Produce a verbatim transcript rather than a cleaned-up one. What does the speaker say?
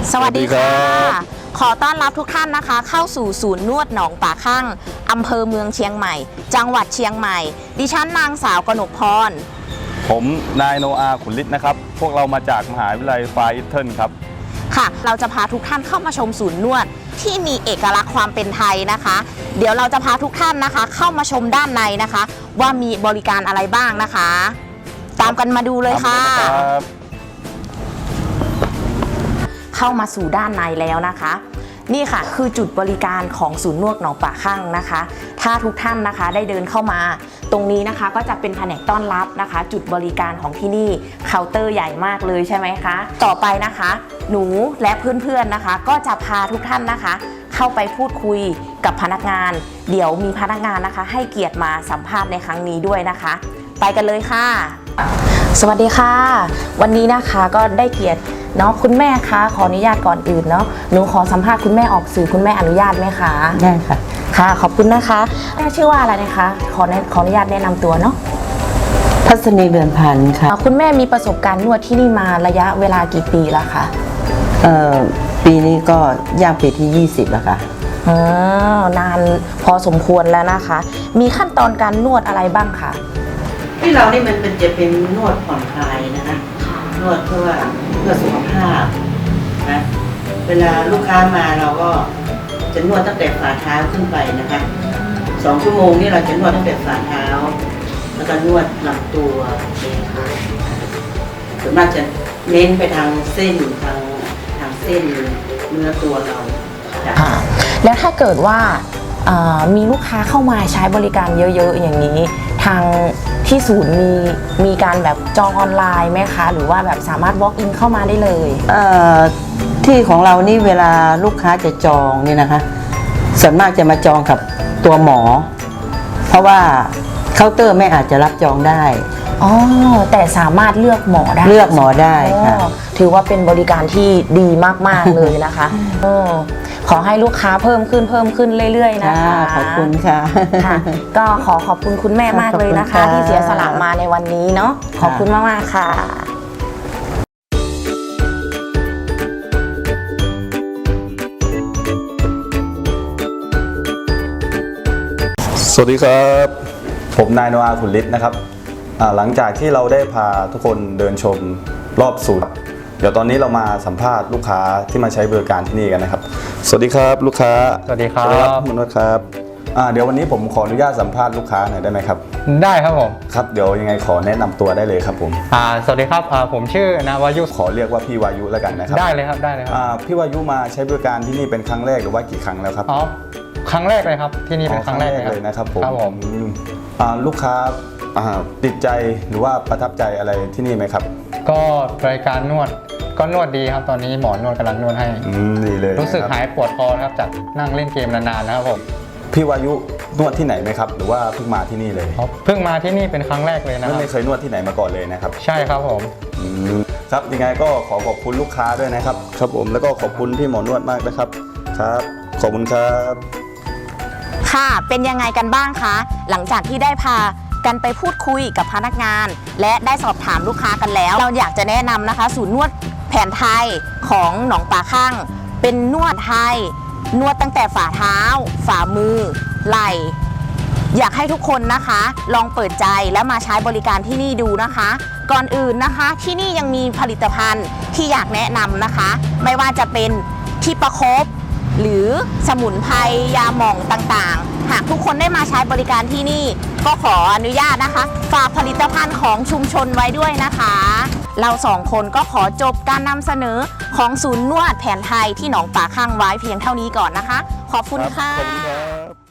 สวัสดีค่ะขอต้อนรับทุกท่านนะคะเข้าสู่ศูนย์นวดหนองป่าข้างอำเภอเมืองเชียงใหม่จังหวัดเชียงใหม่ดิฉันนางสาวกนกพรผมนายโนอาขุนฤทธิ์นะครับพวกเรามาจากมหาวิทยาลัยฟาร์อิทเทิลครับค่ะเราจะพาทุกท่านเข้ามาชมศูนย์นวดที่มีเอกลักษณ์ความเป็นไทยนะคะเดี๋ยวเราจะพาทุกท่านนะคะเข้ามาชมด้านในนะคะว่ามีบริการอะไรบ้างนะคะตามกันมาดูเลยค่ะเข้ามาสู่ด้านในแล้วนะคะนี่ค่ะคือจุดบริการของศูนย์นวดหนองป่าข้างนะคะถ้าทุกท่านนะคะได้เดินเข้ามาตรงนี้นะคะก็จะเป็นแผนกต้อนรับนะคะจุดบริการของที่นี่เคาน์เตอร์ใหญ่มากเลยใช่ไหมคะต่อไปนะคะหนูและเพื่อนๆนะคะก็จะพาทุกท่านนะคะเข้าไปพูดคุยกับพนักงานเดี๋ยวมีพนักงานนะคะให้เกียรติมาสัมภาษณ์ในครั้งนี้ด้วยนะคะไปกันเลยค่ะสวัสดีค่ะวันนี้นะคะก็ได้เกียรติเนาะคุณแม่คะขออนุญาตก่อนอื่นเนาะหนูขอสัมภาษณ์คุณแม่ออกสื่อคุณแม่อนุญาตไหมคะได้ค่ะค่ะขอบคุณนะคะแม่ชื่อว่าอะไรนะคะขอขออนุญาตแนะนำตัวเนาะพัศนีเรือนพันธ์ค่ะคุณแม่มีประสบการณ์นวดที่นี่มาระยะเวลากี่ปีแล้วคะเอ่อปีนี้ก็ย่างปีที่ยี่สิบแล้วค่ะอ๋อนานพอสมควรแล้วนะคะมีขั้นตอนการนวดอะไรบ้างคะที่เรานี่มันเป็นจะเป็นนวดผ่อนคลายนะคะนวดเพื่อเพื่อสุขภาพนะเวลาลูกค้ามาเราก็จะนวดตั้งแต่ฝ่าเท้าขึ้นไปนะคะสองชั่วโมงนี่เราจะนวดตั้งแต่ฝ่าเท้าแล้วก็นวดลำตัวส่วนมากจะเน้นไปทางเส้นทางทางเส้นเนื้อตัวเราแล้วถ้าเกิดว่ามีลูกค้าเข้ามาใช้บริการเยอะๆอย่างนี้ทางที่ศูนย์มีมีการแบบจองออนไลน์ไหมคะหรือว่าแบบสามารถ walk in เข้ามาได้เลยที่ของเรานี่เวลาลูกค้าจะจองนี่นะคะส่วนมากจะมาจองกับตัวหมอเพราะว่าเคาน์เตอร์ไม่อาจจะรับจองได้อ๋อแต่สามารถเลือกหมอได้เลือกหมอได้ค่ะถือว่าเป็นบริการที่ดีมากๆเลยนะคะขอให้ลูกค้าเพิ่มขึ้นเพิ่มขึ้นเรื่อยๆนะคะขอบคุณค่ะก็ขอขอบคุณคุณแม่มากเลยนะคะที่เสียสละมาในวันนี้เนาะขอบคุณมากๆค่ะสวัสดีครับผมนายโนอาขุนฤทธิ์นะครับหลังจากที่เราได้พาทุกคนเดินชมรอบศูนย์เดี๋ยวตอนนี้เรามาสัมภาษณ์ลูกค้าที่มาใช้บริการที่นี่กันนะครับสวัสดีครับลูกค้าสวัสดีครับคุณนวดครับเดี๋ยววันนี้ผมขออนุญาตสัมภาษณ์ลูกค้าหน่อยได้ไหมครับได้ครับผมครับเดี๋ยวยังไงขอแนะนำตัวได้เลยครับผมสวัสดีครับผมชื่อนาวายุขอเรียกว่าพี่วายุแล้วกันนะครับได้เลยครับได้เลยครับพี่วายุมาใช้บริการที่นี่เป็นครั้งแรกหรือว่ากี่ครั้งแล้วครับอ๋อครั้งแรกเลยครับที่นี่เป็นครั้งแรกเลยนะครับผมครับผมลูกค้าติดใจหรือว่าประทับใจอะไรที่นี่ไหมครับก็บริการนวดก็นวดดีครับตอนนี้หมอนวดกำลังนวดให้ดีเลยรู้สึกหายปวดคอครับจากนั่งเล่นเกมนานๆนะครับผมพี่วายุนวดที่ไหนไหมครับหรือว่าเพิ่งมาที่นี่เลยเพิ่งมาที่นี่เป็นครั้งแรกเลยนะครับไม่เคยนวดที่ไหนมาก่อนเลยนะครับใช่ครับผมครับยังไงก็ขอขอบคุณลูกค้าด้วยนะครับครับผมแล้วก็ขอบคุณพี่หมอนวดมากนะครับครับขอบคุณครับค่ะเป็นยังไงกันบ้างคะหลังจากที่ได้พากันไปพูดคุยกับพนักงานและได้สอบถามลูกค้ากันแล้วเราอยากจะแนะนำนะคะศูนย์นวดแผนไทยของหนองป่าข้างเป็นนวดไทยนวดตั้งแต่ฝ่าเท้าฝ่ามือไหล่อยากให้ทุกคนนะคะลองเปิดใจและมาใช้บริการที่นี่ดูนะคะก่อนอื่นนะคะที่นี่ยังมีผลิตภัณฑ์ที่อยากแนะนำนะคะไม่ว่าจะเป็นที่ประคบหรือสมุนไพรยาหม่องต่างๆหากทุกคนได้มาใช้บริการที่นี่ก็ขออนุญาตนะคะฝากผลิตภัณฑ์ของชุมชนไว้ด้วยนะคะเราสองคนก็ขอจบการนำเสนอของศูนย์นวดแผนไทยที่หนองป่าข้างไว้เพียงเท่านี้ก่อนนะคะขอบคุณค่ะ